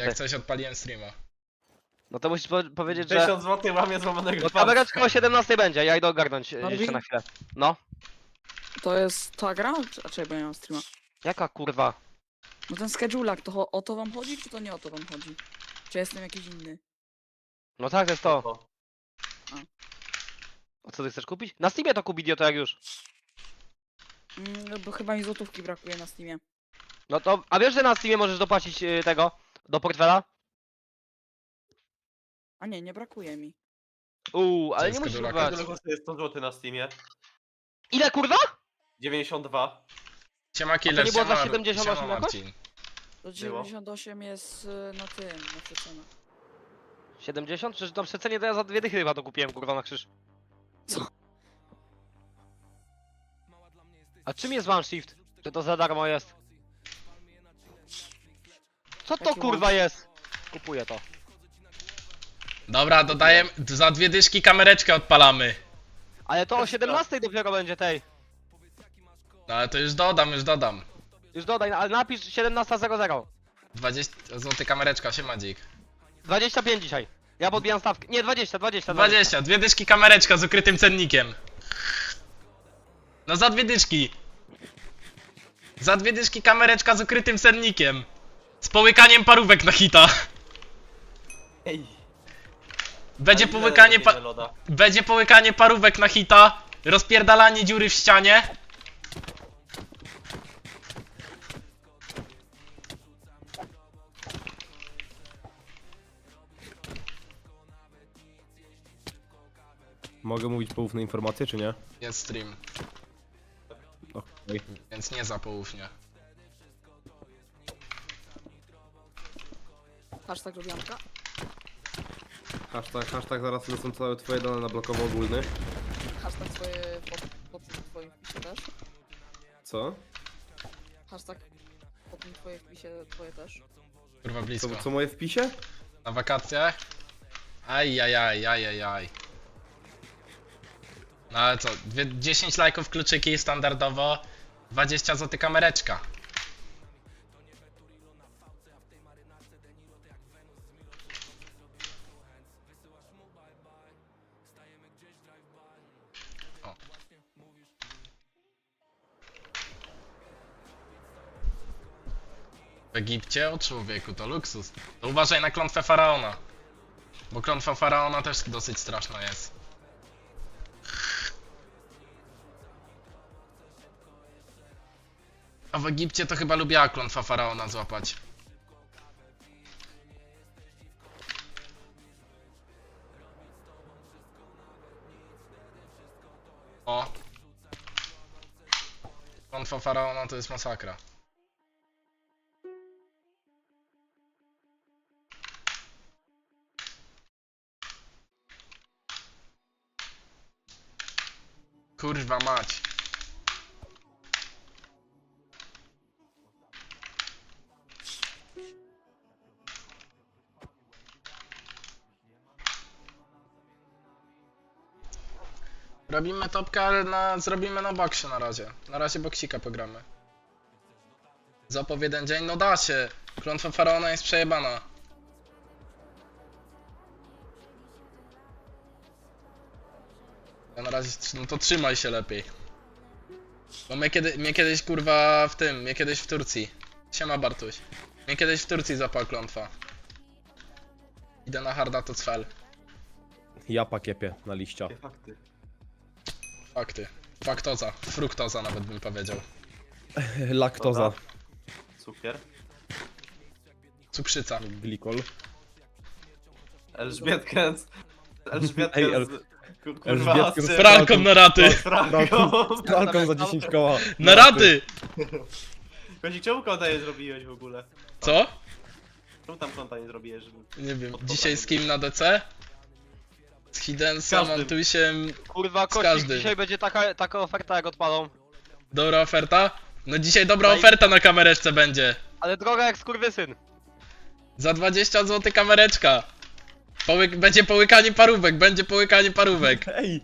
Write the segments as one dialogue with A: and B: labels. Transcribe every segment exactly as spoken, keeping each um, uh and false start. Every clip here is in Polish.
A: Jak coś odpaliłem streama.
B: No to musisz po powiedzieć, że...
C: tysiąc złotych łamie złamanego
B: No
C: palca.
B: kamereczka o siedemnastej będzie, ja idę ogarnąć e,
D: Marvin?
B: jeszcze na chwilę. No.
D: To jest ta gra? Czy- A czekaj, bo ja mam streama.
B: Jaka kurwa?
D: No ten schedule'ak, to cho- o to wam chodzi, czy to nie o to wam chodzi? Czy jestem jakiś inny?
B: No tak, to jest to.
C: O,
B: A co ty chcesz kupić? Na Steamie to kup idioto jak już.
D: Mm, no bo chyba mi złotówki brakuje na Steamie.
B: No to, a wiesz, że na Steamie możesz dopłacić y, tego, do portfela?
D: A nie, nie brakuje mi.
B: Uuu, ale
A: Co
B: nie
A: jest
B: musisz
A: kadulaka?
B: kupować.
C: Tyle kosztuje sto złotych na Steamie.
B: Ile kurwa?
C: dziewięćdziesiąt dwa.
A: Siema Killer,
B: nie było za
A: siema,
B: siedemdziesiąt osiem
A: siema
B: jakoś?
A: Marcin.
D: To dziewięćdziesiąt osiem jest y, na tym, na przecenie.
B: siedemdziesiąt? Przecież na przecenie to ja za dwie dychy chyba to kupiłem kurwa na krzyż.
D: Co?
B: A czym jest one shift? Czy to za darmo jest? Co to
D: Jaki
B: kurwa jest? Kupuję to.
A: Dobra, dodaję, za dwie dyszki kamereczkę odpalamy.
B: Ale to o siedemnastej dopiero będzie tej.
A: No ale to już dodam, już dodam.
B: Już dodaj, ale napisz siedemnasta zero zero.
A: dwadzieścia złotych kamereczka, siema dzik.
B: dwadzieścia pięć dzisiaj. Ja podbijam stawkę. Nie, dwadzieścia, dwadzieścia.
A: dwadzieścia, dwie dyszki kamereczka z ukrytym cennikiem. No za dwie dyszki. Za dwie dyszki kamereczka z ukrytym cennikiem. Z połykaniem parówek na hita.
C: Ej.
A: Będzie
C: A ile
A: połykanie pa...
C: robimy loda?
A: Będzie połykanie parówek na hita. Rozpierdalanie dziury w ścianie.
E: Mogę mówić poufne informacje, czy nie?
A: Jest stream,
E: Okej.
A: więc nie za poufnie.
D: Hashtag lubianka.
E: Hashtag, hashtag zaraz lecą całe twoje dane na blokowo ogólny.
D: Hashtag swoje pod, pod tym twoim wpisie też.
E: Co?
D: Hashtag pod tym twoim wpisie twoje też.
A: Kurwa blisko.
E: Co, co moje wpisie?
A: Na wakacjach? Ajajaj, ajajaj. No ale co, dwie, dziesięć lajków kluczyki standardowo, dwadzieścia złotych kamereczka. O. W Egipcie? O człowieku, to luksus. To uważaj na klątwę faraona. Bo klątwa faraona też dosyć straszna jest. A w Egipcie to chyba lubiła klątwa faraona złapać. O. Klątwa faraona to jest masakra. Kurwa mać. Robimy topkę, ale na, zrobimy na boksie na razie. Na razie boksika pogramy. Zapów jeden dzień? No da się. Klątwa faraona jest przejebana. Ja na razie, no to trzymaj się lepiej. Bo mnie, kiedy, mnie kiedyś kurwa w tym, mnie kiedyś w Turcji. Siema Bartuś. Mnie kiedyś w Turcji złapała klątwa. Idę na harda to cfel.
E: Japa kiepie na liścia.
C: Jakie fakty.
A: Fakty. Faktoza. Fruktoza nawet bym powiedział.
E: Laktoza.
C: Dobra. Cukier.
A: Cukrzyca.
E: Glikol.
C: Elżbietkę z... Elżbietkę
E: Ej, El-
C: z... ku- Kurwa,
E: Elżbietkę z
C: z...
A: Pralką na raty!
C: z Franką.
E: Pralką za dziesięć koła.
A: Na raty!
C: Kozik, czemu konta nie zrobiłeś w ogóle?
A: Co?
C: Czemu tam konta nie zrobiłeś? Żeby...
A: Nie wiem. Dzisiaj z kim na D C? Z Hidensem,
C: każdym.
A: Antusiem.
B: Kurwa, Kościk,
A: każdym.
B: dzisiaj będzie taka, taka oferta jak odpalą.
A: Dobra oferta? No dzisiaj dobra
B: No i-
A: oferta na kamereczce będzie.
B: Ale droga jak skurwysyn.
A: Za dwadzieścia złotych kamereczka. Połyk będzie połykanie parówek, będzie połykanie parówek.
E: Ej!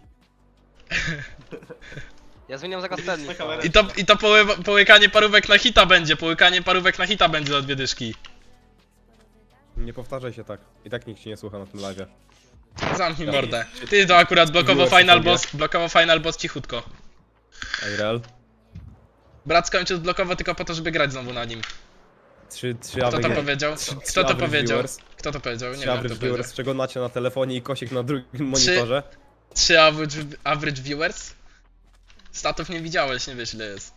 B: Ja zmieniam zaraz cennik.
C: Na kamerę.
A: I to, i to poły połykanie parówek na hita będzie, połykanie parówek na hita będzie za dwie dyszki.
E: Nie powtarzaj się tak. I tak nikt ci nie słucha na tym live'ie.
A: Zamknij mordę. Ty to akurat blokowo
E: Viewers
A: final
E: sobie.
A: boss, blokowo final boss cichutko.
E: Ej, real?
A: Brat skończył blokowo tylko po to, żeby grać znowu na nim.
E: Trzy, trzy
A: Kto to
E: average-
A: powiedział?
E: trzy-
A: Kto
E: trzy
A: to
E: average
A: powiedział?
E: viewers.
A: Kto to powiedział? Nie
E: Trzy
A: wiem,
E: average
A: kto powiedział.
E: viewers, czego macie na telefonie i kosik na drugim monitorze.
A: Trzy average, average viewers? Statów nie widziałeś, nie wiesz ile jest.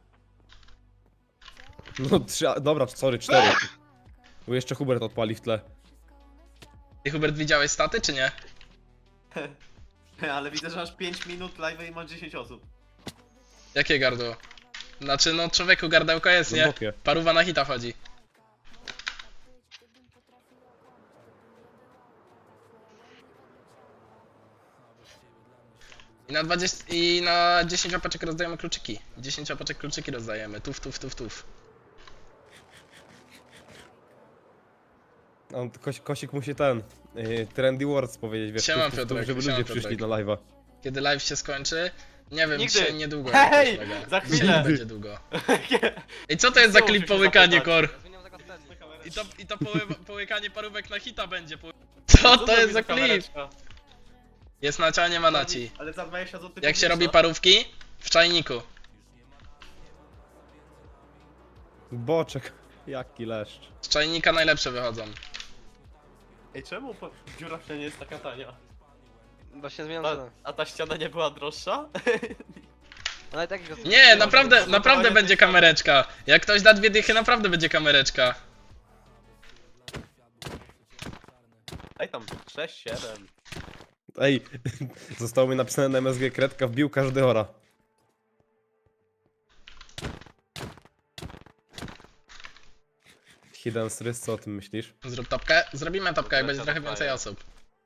E: No trzy, a- dobra, sorry, cztery. Bo jeszcze Hubert odpali w tle.
A: Ty Hubert widziałeś staty czy nie?
C: Ale widzę, że masz pięć minut live i masz dziesięć osób.
A: Jakie gardło? Znaczy no człowieku gardełko jest, nie?
E: Głębokie.
A: Paruwa na hita chodzi. I na dwadzieścia, i na dziesięć opaczek rozdajemy kluczyki. dziesięć opaczek kluczyki rozdajemy. Tuf, tuf, tuf, tuf.
E: On, kos, kosik musi ten. Yy, Trendy Words powiedzieć, wiesz,
A: Siema,
E: tuf, tuf, tuf,
A: Piotrek,
E: żeby
A: siema,
E: ludzie przyszli
A: Piotrek.
E: na live'a.
A: Kiedy live się skończy? Nie wiem,
B: Nigdy.
A: dzisiaj niedługo.
C: Hej!
A: jakoś mega.
C: Za chwilę.
A: Dzisiaj będzie długo. I co to jest za
C: Znowu
A: klip
C: się
A: połykanie,
C: zapytać.
A: Kor?
B: Zmieniam zakaz wtedy.
A: I to, i to poły, połykanie parówek na hita będzie. Po... Co to jest za klip?
C: kamereczka?
A: Jest naci, a nie ma naci.
C: Ale za dwadzieścia złotych.
A: Jak się robi parówki? W czajniku.
E: Boczek. Jaki leszcz.
A: Z czajnika najlepsze wychodzą.
C: Ej, czemu po- dziura w ścianie jest taka tania?
B: Właśnie zmieniam
C: A,
B: cenę.
C: a ta ściana nie była droższa?
B: Ale i tak ich
A: Nie, naprawdę,
C: to
A: naprawdę
C: budowanie
A: będzie
C: tej ściany.
A: kamereczka. Jak ktoś da dwie dychy, naprawdę będzie kamereczka.
C: Daj tam sześć, siedem.
E: Ej, zostało mi napisane na M S G kredka, wbił każdy ora. Hidden Strys, co o tym myślisz?
A: Zrób topkę? Zrobimy topkę, jak będzie trochę
C: Topka
A: więcej
C: jest.
A: osób.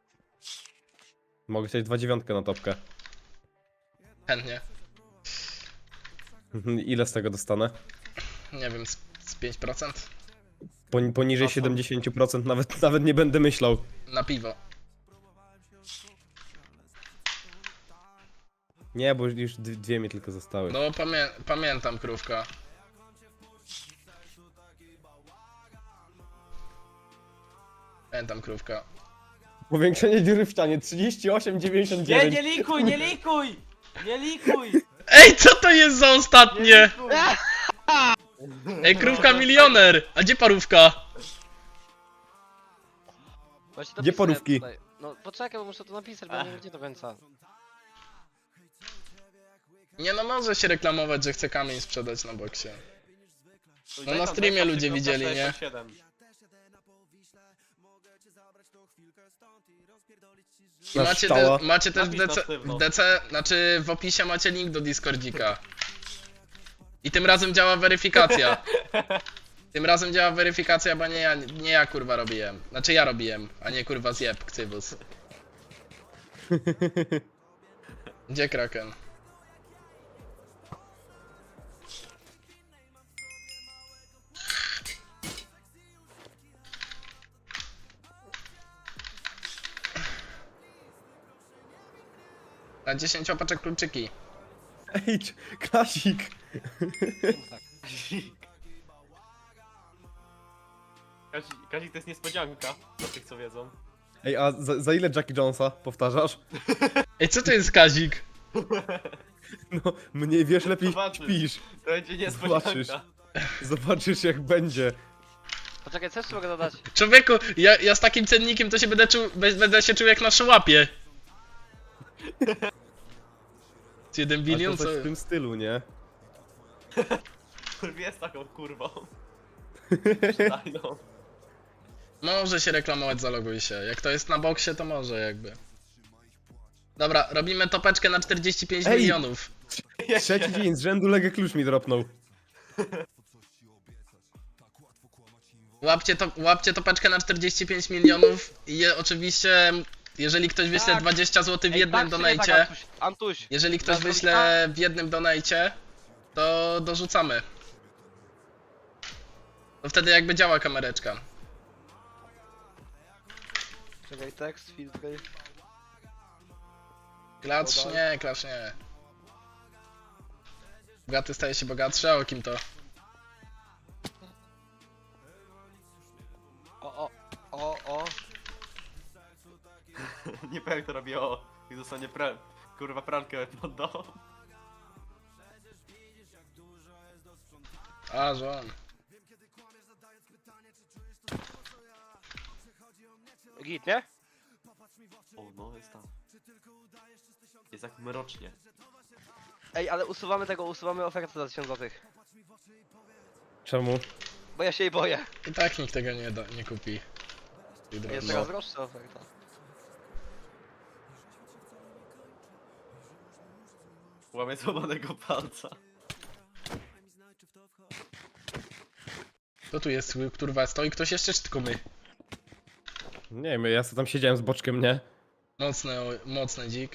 E: Mogę chcieć dwa dziewiątkę na topkę.
A: Chętnie.
E: Ile z tego dostanę?
A: Nie wiem, z, z pięć procent?
E: Poni- poniżej
C: A co?
E: siedemdziesiąt procent nawet, nawet nie będę myślał.
A: Na piwo.
E: Nie, bo już d- dwie mi tylko zostały.
A: No pamię pamiętam, krówka. Pamiętam, krówka.
E: Powiększenie dziury w ścianie trzydzieści osiem dziewięćdziesiąt
C: Nie,
E: dziewięć.
C: nie likuj, nie likuj! Nie likuj!
A: Ej, co to jest za
C: Nie
A: ostatnie?
C: likuj!
A: Ej, krówka milioner! A gdzie parówka?
B: Właśnie to
E: Gdzie
B: pisałem
E: porówki?
B: tutaj. No poczekaj, bo muszę to napisać, bo nie wiem do końca.
A: Nie no, może się reklamować, że chce kamień sprzedać na boksie. No
C: Daj
A: na
C: tam
A: streamie
C: dwadzieścia,
A: ludzie widzieli, nie?
C: sześćdziesiąt siedem.
A: I
E: Na
A: macie,
E: szczała.
A: te, macie też w
C: Napisz na
A: DC,
C: sztywno.
A: w DC, znaczy w opisie macie link do Discordzika. I tym razem działa weryfikacja. Tym razem działa weryfikacja, bo nie ja, nie ja kurwa robiłem. Znaczy ja robiłem, a nie kurwa zjeb, ksywus. Gdzie Kraken? Na dziesięć opaczek kluczyki.
E: Ej, c- Klasik!
C: Kazik, Kazik to jest niespodzianka, dla tych co wiedzą.
E: Ej, a za, za ile Jackie Jonesa powtarzasz?
A: Ej, co to jest Kazik?
E: No, mniej wiesz, lepiej
C: Zobaczysz.
E: śpisz.
C: To będzie
E: Zobaczysz.
C: niespodzianka.
E: Zobaczysz jak będzie.
B: Poczekaj, co jeszcze mogę dodać?
A: Człowieku, ja, ja z takim cennikiem to się będę czuł, be- będę się czuł jak na szołapie. Z jeden
E: A
A: bilion,
E: to
A: co...
E: coś w tym stylu, nie?
C: Kurwa jest taką kurwą. Daj no.
A: Może się reklamować, zaloguj się. Jak to jest na boksie, to może jakby. Dobra, robimy topeczkę na czterdzieści pięć
E: Ej!
A: milionów.
E: Trzeci dzień z rzędu Legę klucz mi dropnął.
A: Łapcie, to, łapcie topeczkę na czterdzieści pięć milionów i je, oczywiście, jeżeli ktoś wyśle
B: Tak.
A: dwadzieścia złotych w
B: Ej,
A: jednym
B: tak czy nie
A: donajcie,
B: tak, Antuś? Antuś,
A: jeżeli ktoś
B: Na
A: wyśle w jednym donajcie, to dorzucamy. To wtedy jakby działa kamereczka.
B: czekaj, tekst, filtry.
A: Klacz
B: Podaj.
A: nie, klacz nie. Bogaty staje się bogatszy, a o kim to?
B: O, o. O, o.
C: Nie powiem jak to robi o. I dostanie pra... kurwa pralkę pod dom.
A: A, że on.
B: Git, nie?
C: O no, jest tam. Jest jak mrocznie.
B: Ej, ale usuwamy tego, usuwamy ofertę za tysiąc złotych.
E: Czemu?
B: Bo ja się jej boję.
A: I tak nikt tego nie, da, nie kupi. I
B: Jest
A: droższy.
B: teraz droższa oferta.
C: Łamie złamanego palca.
A: Kto tu jest, kurwa, stoi ktoś jeszcze, czy tylko my?
E: Nie wiem, ja sobie tam siedziałem z boczkiem, nie?
A: Mocny, o- mocny dzik.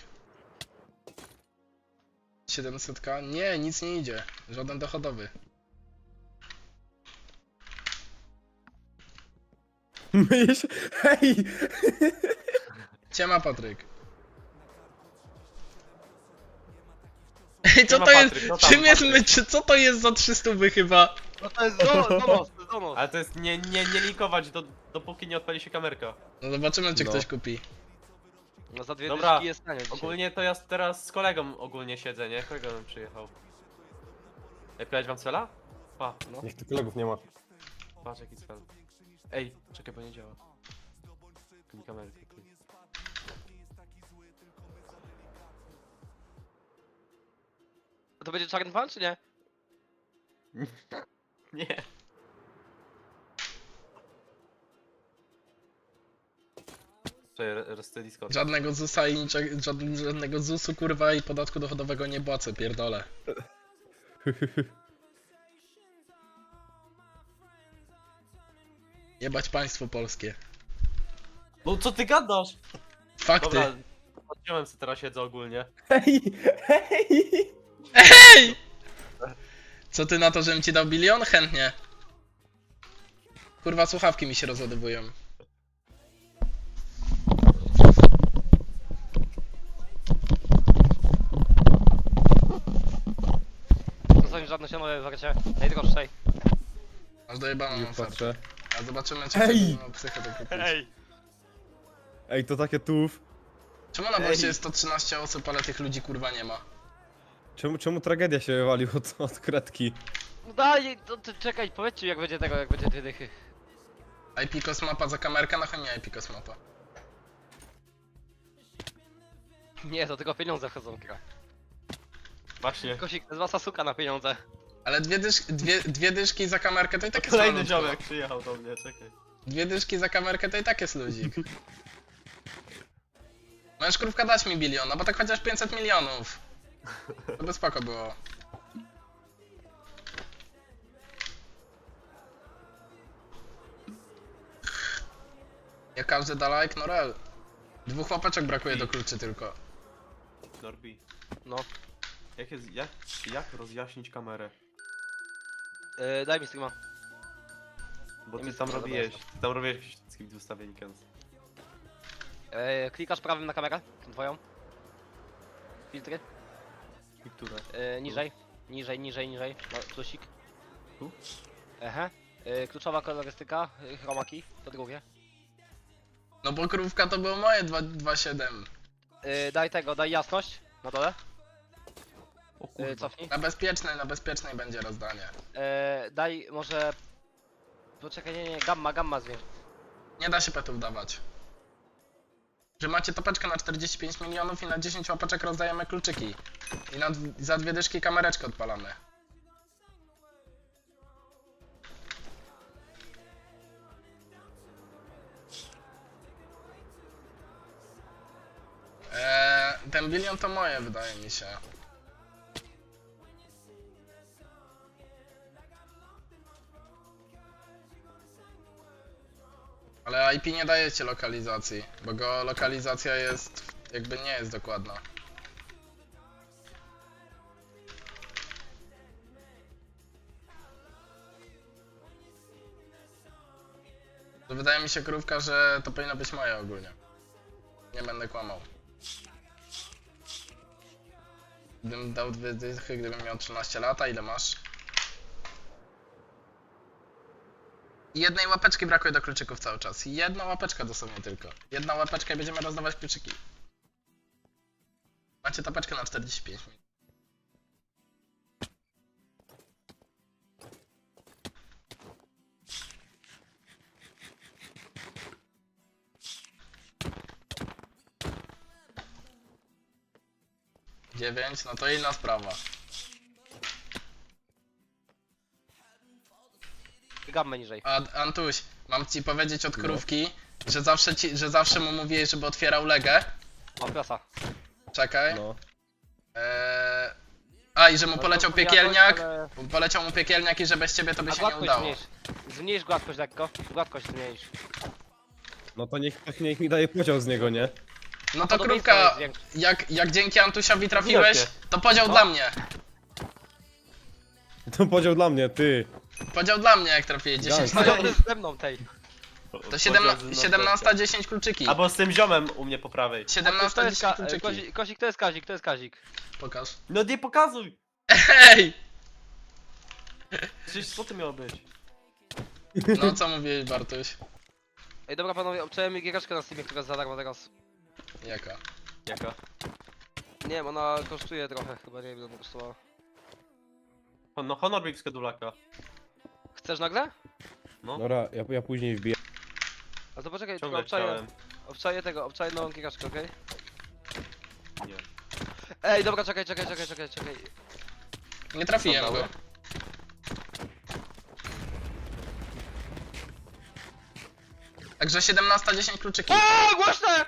A: siedemset k? Nie, nic nie idzie. Żaden dochodowy.
E: Myję się... Hej!
A: Ciema, Patryk. Ej, co
C: Siema,
A: to jest?
C: Patryk, no tam,
A: Czym jest
C: Patryk.
A: myć? Co to jest za trzysta chyba?
B: No to jest donos, donos, to jest donos.
C: Ale to jest nie, nie, nie linkować do, dopóki nie odpali się kamerka.
A: No zobaczymy, czy
E: No.
A: ktoś kupi.
B: No za dwie
C: Dobra,
B: dyszki jest tanie dzisiaj.
C: Ogólnie to ja teraz z kolegą ogólnie siedzę, nie? Kolega nam przyjechał. Ej, pytałeś wam cela? Pa, no.
E: Niech tu kolegów nie ma.
C: Patrz jaki cel. Ej, czekaj, bo nie działa. Klik kamerkę, klik.
B: To będzie czarny pan, czy nie?
C: Nie. Czekaj, resty Discord.
A: Żadnego zusa i niczego, żadnego, żadnego zusu, kurwa, i podatku dochodowego nie płacę, pierdolę. Jebać państwo polskie.
C: No co ty gadasz?
A: Fakty.
C: Dobra, odciąłem sobie teraz siedzę ogólnie.
E: Hej! Hej!
A: Hej! Co ty na to, żebym ci dał bilion? Chętnie. Kurwa, słuchawki mi się rozładowują.
B: To są żadne sianowe warcie. Najdroższej.
A: Masz dojebaną
E: Już
A: ofertę.
E: patrzę.
A: A zobaczymy, czy
E: Ej!
A: no, psychę to kupić.
E: Ej, to takie tuf.
A: Czemu na
C: Ej!
A: boście jest sto trzynaście osób, ale tych ludzi kurwa nie ma?
E: Czemu, czemu tragedia się wywalił od, od kredki?
B: No daj, to, to czekaj, powiedzcie jak będzie tego, jak będzie dwie dychy.
A: I P Kosmapa za kamerkę? No chyba nie I P Kosmapa.
B: Nie, to tylko pieniądze wchodzą, kra.
C: Właśnie.
B: Kosik, to jest wasa suka na pieniądze.
A: Ale dwie, dysz, dwie, dwie dyszki za kamerkę to i tak jest
C: Kolejny
A: malutko.
C: ziomek przyjechał do mnie, czekaj.
A: Dwie dyszki za kamerkę to i tak jest luzik. Możesz krówka dać mi bilion, no bo tak chociaż pięćset milionów. To by spoko było. Jak każdy da like, no rel. Dwóch łapeczek brakuje do kluczy tylko.
C: Norbi.
B: No.
C: Jak jest, jak, jak rozjaśnić kamerę?
B: Yy, daj mi streama.
C: Bo
B: Nie
C: ty
B: mi
C: tam
B: to
C: robiłeś, ty tam robiłeś wszystkim ustawień Kens.
B: Yy, klikasz prawym na kamerę, tą twoją. Filtry.
C: I które?
B: Yy, niżej. Niżej, niżej, niżej. No, plusik.
C: Tu?
B: Aha. Yy, kluczowa kolorystyka, yy, chromaki, to drugie.
A: No bo krówka to było moje dwa przecinek siedem.
B: Yy, daj tego, daj jasność na dole.
C: O
B: Yy,
C: kurwa.
B: cofnij.
A: Na bezpiecznej, na bezpiecznej będzie rozdanie.
B: Yy, daj może... Poczekaj, nie, nie, gamma, gamma zwiększ.
A: Nie da się petów dawać. Że macie topeczkę na czterdzieści pięć milionów i na dziesięć łapeczek rozdajemy kluczyki. I na, dw- za dwie dyszki kamereczkę odpalamy. Eee, ten bilion to moje, wydaje mi się. Ale I P nie dajecie lokalizacji, bo go lokalizacja jest, jakby nie jest dokładna. To wydaje mi się, krówka, że to powinno być moje ogólnie. Nie będę kłamał. Gdybym dał dwie dychy, gdybym miał trzynaście lat, a ile masz? I jednej łapeczki brakuje do kluczyków cały czas. Jedna łapeczka dosłownie tylko. Jedna łapeczka i będziemy rozdawać kluczyki. Macie tapeczkę na czterdzieści pięć minut. dziewięć, no to inna sprawa.
B: Gammę niżej.
A: A, Antuś, mam ci powiedzieć od krówki, że zawsze ci, że zawsze mu mówiłeś, żeby otwierał legę.
B: O, prasa.
A: Czekaj.
E: No.
A: Eee... A, i że mu
B: No,
A: poleciał
B: to
A: piekielniak.
B: ale-
A: Poleciał mu piekielniak i że bez ciebie to by
B: A
A: się nie
B: gładkość
A: udało.
B: zmniejsz. Zmniejsz gładkość lekko. Gładkość zmniejsz.
E: No to niech, niech, niech mi daje podział z niego, nie?
A: No to
B: Podobieństwo
A: krówka,
B: jest większe.
A: jak, jak dzięki Antusiowi trafiłeś,
C: Widocznie.
A: to podział
B: No.
A: dla mnie.
E: To podział dla mnie, ty.
A: Podział dla mnie, jak trafiłeś dziesięć
E: Gang.
A: na
B: Podobny z ze mną tej.
A: To siedemnaście dziesięć kluczyki.
C: Albo z tym ziomem u mnie po prawej.
B: To
A: siedemnaście
B: jest
A: dziesięć
B: ka-
A: kluczyki.
B: Kozik, Kozik, to jest Kazik, to jest Kazik.
A: Pokaż.
C: No nie pokazuj!
A: Hej!
C: Przecież co to miało być?
A: No co mówiłeś, Bartuś?
B: Ej, dobra panowie, obczałem mi giereczkę na Steamie, która jest za darmo teraz.
A: Jaka?
C: Jaka?
B: Nie wiem, ona kosztuje trochę, chyba nie wiem ile ona kosztowała.
C: No Honor Big Skedulaka.
B: Chcesz nagle?
C: No,
E: Dobra, ja, ja później wbiję.
B: A to poczekaj, tylko
C: ciągle
B: obczaję,
C: chciałem.
B: obczaję tego, obczaję nową giereczkę, okej?
C: Nie.
B: Ej, dobra, czekaj, czekaj, czekaj, czekaj, czekaj.
A: Nie trafiłem
C: Dobra.
A: go. Także siedemnaście dziesięć kluczyki.
B: O, głośne!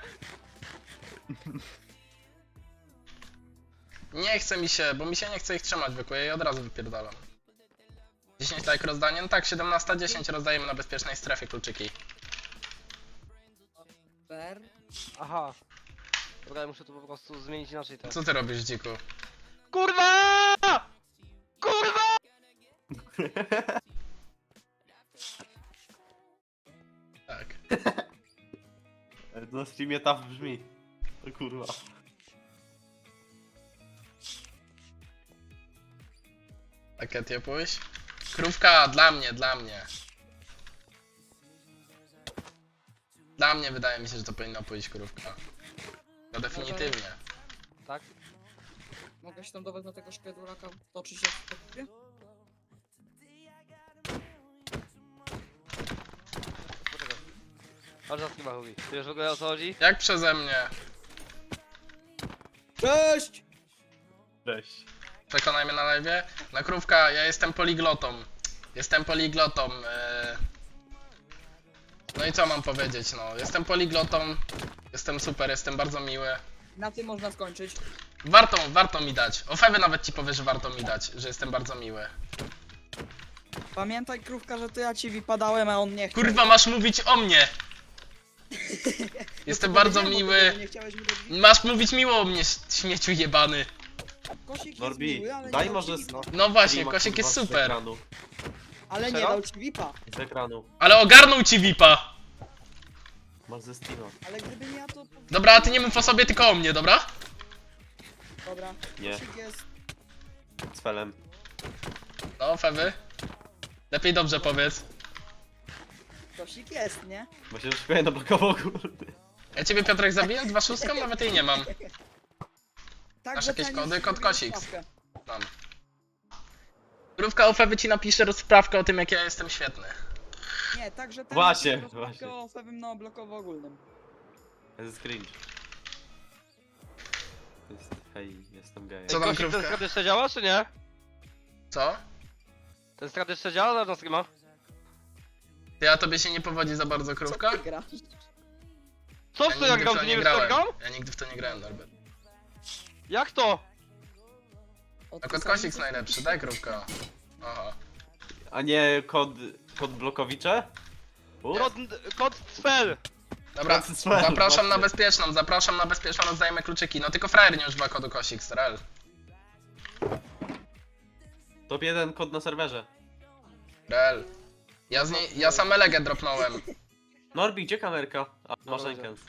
A: Nie chce mi się, bo mi się nie chce ich trzymać zwykłe i od razu wypierdalam. dziesięć tak rozdanie? No tak, siedemnaście dziesięć rozdajemy na bezpiecznej strefie kluczyki.
D: Ber.
B: Aha. Dobra, ja muszę to po prostu zmienić inaczej teraz.
A: Co ty robisz, dziku?
B: Kurwa! Kurwa!
A: Tak.
C: Na streamie taf brzmi. O kurwa.
A: Takie ty pójść? Krówka, dla mnie, dla mnie. Dla mnie wydaje mi się, że to powinno pójść krówka. No definitywnie.
B: Tak?
D: Mogę się tam dawać na tego szkedulaka, toczyć się w kopie?
B: Poczekaj. Chodź na streama, Hugi. Ty wiesz w ogóle o co chodzi?
A: Jak przeze mnie?
D: Cześć!
C: Cześć.
A: Przekonaj mnie na live. Na krówka, ja jestem poliglotą. Jestem poliglotą. e. No i co mam powiedzieć, no. Jestem poliglotą. Jestem super, jestem bardzo miły.
D: Na tym można skończyć.
A: Warto, warto mi dać. O Fewy nawet ci powie, że warto mi dać, że jestem bardzo miły.
D: Pamiętaj, krówka, że to ja ci wypadałem, a on nie chciał.
A: Kurwa, masz mówić o mnie! Jestem bardzo
D: Powiedziałem, bo
A: miły.
D: ty Nie chciałeś mi dać wi-
A: Masz mówić miło o mnie, śmieciu jebany.
D: Kosik jest
C: Norbi,
D: miły, ale
C: daj
D: nie dał
C: może
D: ci
C: z-
D: vipa.
A: No właśnie,
C: Streama,
A: Kosik
C: kurwa,
A: jest
C: Z
A: super.
C: ekranu.
D: Ale nie
B: Serio?
D: dał ci vipa.
C: Z ekranu.
A: Ale ogarnął ci V I P-a.
C: Masz ze Steama.
D: Ale gdyby nie ja, to...
A: Dobra, a ty nie mów o sobie, tylko o mnie, dobra?
D: Dobra.
C: Nie.
D: Kosik jest...
C: Z felem.
A: No, Fewy. Lepiej dobrze powiedz.
D: Kosik jest, nie?
C: Bo się szukaj na blokowo, kurde.
A: Ja ciebie, Piotrek, zabiję dwa szóstką, nawet jej nie mam.
D: Tak,
A: Masz
D: że
A: jakieś
D: ten
A: kody?
D: jest
A: Kod
D: zrobił
A: Kosik.
D: sprawkę.
A: Mam. Krówka o Fewy ci napisze rozprawkę o tym, jak ja jestem świetny.
D: Nie, także ten
C: Właśnie,
D: jest rozprawkę
C: właśnie.
D: o pewnym na blokowo ogólnym.
C: To jest cringe. To jest, hej, jestem gej.
A: Co tam,
B: Kosik, ten
A: krówka?
B: strat jeszcze działa, czy nie?
A: Co?
B: Ten strat jeszcze działa na streama?
A: Ty, a tobie się nie powodzi za bardzo, krówka?
D: Co ty grasz?
B: Co w to ja
A: nigdy w
B: gram,
A: to
B: ty nie wiesz co
A: grałem.
B: gram?
A: Ja nigdy w to nie grałem, Norbert.
B: Jak to?
A: No kod Kosik najlepszy, daj krówka. Aha.
C: A nie kod... kod blokowicze? U?
B: Kod, kod Cfel!
A: Dobra,
C: Francis Feld,
A: zapraszam na
C: właśnie.
A: bezpieczną, zapraszam na bezpieczną, rozdajemy kluczyki. No tylko frajer nie używa kodu Kosik, Strel.
C: Top jeden kod na serwerze.
A: Rel. Ja, z niej, ja sam elegę dropnąłem.
C: Norbi, gdzie kamerka? A, masz
B: Dobra.
C: rękę.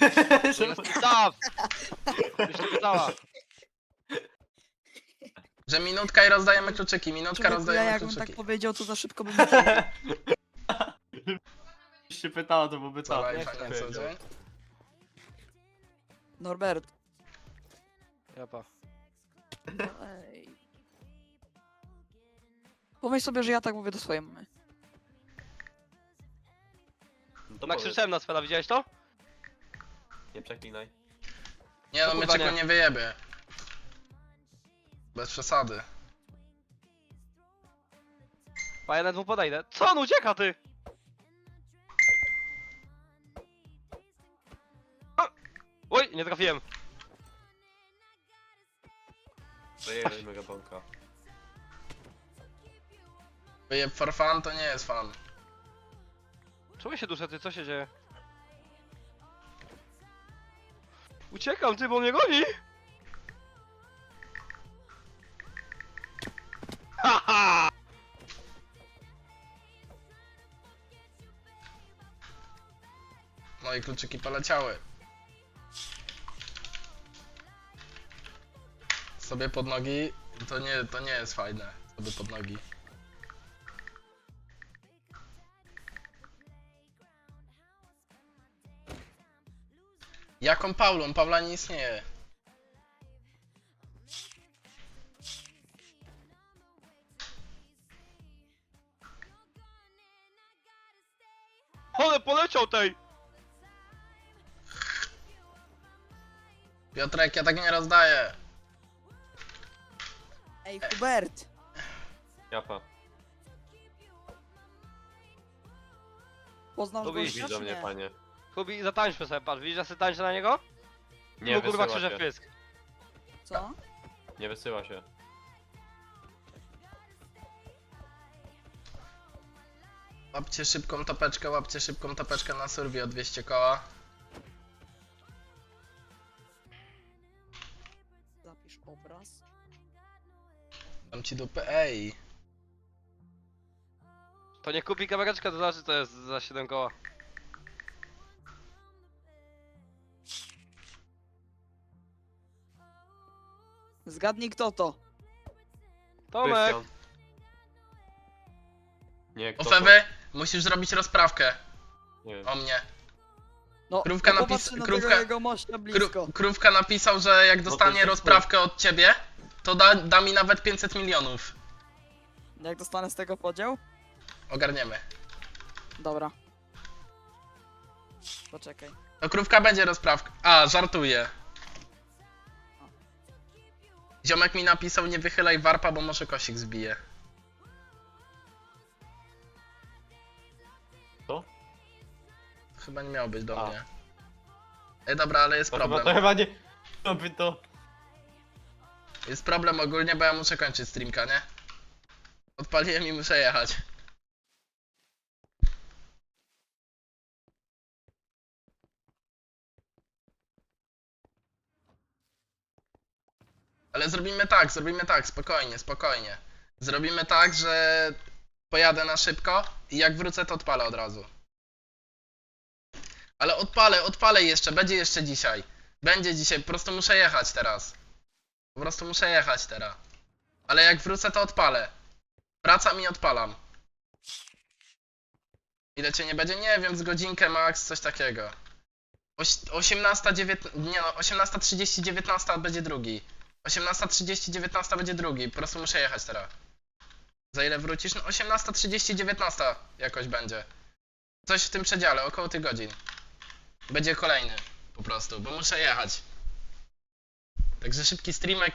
B: Staw! Już nie pytała.
A: Że minutka i rozdajemy kluczyki, minutka
D: Człowieku, ja
A: rozdajemy
D: jakbym
A: kluczyki.
D: tak powiedział, to za szybko bym nie
C: Jeśli się pytała, to byłby
A: Co
C: co?
A: live,
C: Jak
A: a
C: to
A: nie co
C: powiedział?
A: dzień?
D: Norbert.
B: Japa.
D: Ej. Pomyśl sobie, że ja tak mówię do swojej mamy.
C: No to
B: No
C: powiedz.
B: krzyczałem na Sfera, widziałeś to?
C: Nie przeklinaj.
A: Nie no,
B: To
A: my
B: kurwa
A: czego
B: nie.
A: nie wyjebie. Bez przesady.
B: A ja nawet mu podejdę. Co on ucieka, ty? A! Oj, nie trafiłem.
C: Zajęli mega banka.
A: Wyjeb for fun to nie jest fan.
B: Czemu się duszę, ty? Co się dzieje? Uciekam, ty, bo mnie goni! Haha!
A: No i kluczyki poleciały. Sobie pod nogi, to nie, to nie jest fajne. Sobie pod nogi. Jaką Paulą? Paula nie istnieje.
B: Ale poleciał tej!
A: Piotrek, ja tak nie rozdaję.
D: Ej, Hubert!
C: Japa.
D: Poznasz
B: Lubisz
D: gościa,
C: Idź do
D: czy
C: mnie,
D: nie?
C: panie.
B: Kubi, zatańczmy sobie, patrz, widzisz, że sobie tańczę na niego?
C: Nie
B: Mu kurwa
C: wysyła
B: krzyże
C: się.
B: w pysk.
D: Co?
C: Nie wysyła się.
A: Łapcie szybką topeczkę, łapcie szybką topeczkę na survey o dwieście koła.
D: Zapisz obraz.
A: Dam ci dupę, ej.
B: To nie kupi kamereczkę, to znaczy to jest za siedem koła.
D: Zgadnij kto to.
B: Tomek!
C: Krystian. Nie, kto to?
A: Ofewy, musisz zrobić rozprawkę
C: Nie wiem.
A: o mnie.
D: No,
A: Krówka
D: no
A: napis-
D: popatrzcie na
A: krówka-
D: tego jego mościa blisko.
A: Kró krówka napisał, że jak
C: to
A: dostanie
C: jest
A: rozprawkę od ciebie, to da, da mi nawet pięćset milionów.
D: Jak dostanę z tego podział?
A: Ogarniemy.
D: Dobra. Poczekaj.
A: To krówka będzie rozprawka. A, żartuję. Ziomek mi napisał, nie wychylaj warpa, bo może kosik zbije.
C: Co?
A: Chyba nie miało być do
C: A.
A: mnie. Ej, dobra, ale jest
C: To chyba,
A: problem.
C: to chyba nie... To by to...
A: Jest problem ogólnie, bo ja muszę kończyć streamka, nie? Odpaliłem i muszę jechać. Ale zrobimy tak, zrobimy tak, spokojnie, spokojnie. Zrobimy tak, że pojadę na szybko i jak wrócę, to odpalę od razu. Ale odpalę, odpalę jeszcze, będzie jeszcze dzisiaj. Będzie dzisiaj, po prostu muszę jechać teraz. Po prostu muszę jechać teraz. Ale jak wrócę, to odpalę. Wracam i odpalam. Ile cię nie będzie? Nie wiem, z godzinkę max, coś takiego. Oś osiemnasta, dziewiętnasta, nie no, osiemnasta trzydzieści, dziewiętnasta będzie drugi. osiemnasta trzydzieści, dziewiętnasta będzie drugi. Po prostu muszę jechać teraz. Za ile wrócisz? No osiemnasta trzydzieści, dziewiętnasta jakoś będzie. Coś w tym przedziale, około tych godzin. Będzie kolejny po prostu, bo muszę jechać. Także szybki streamek.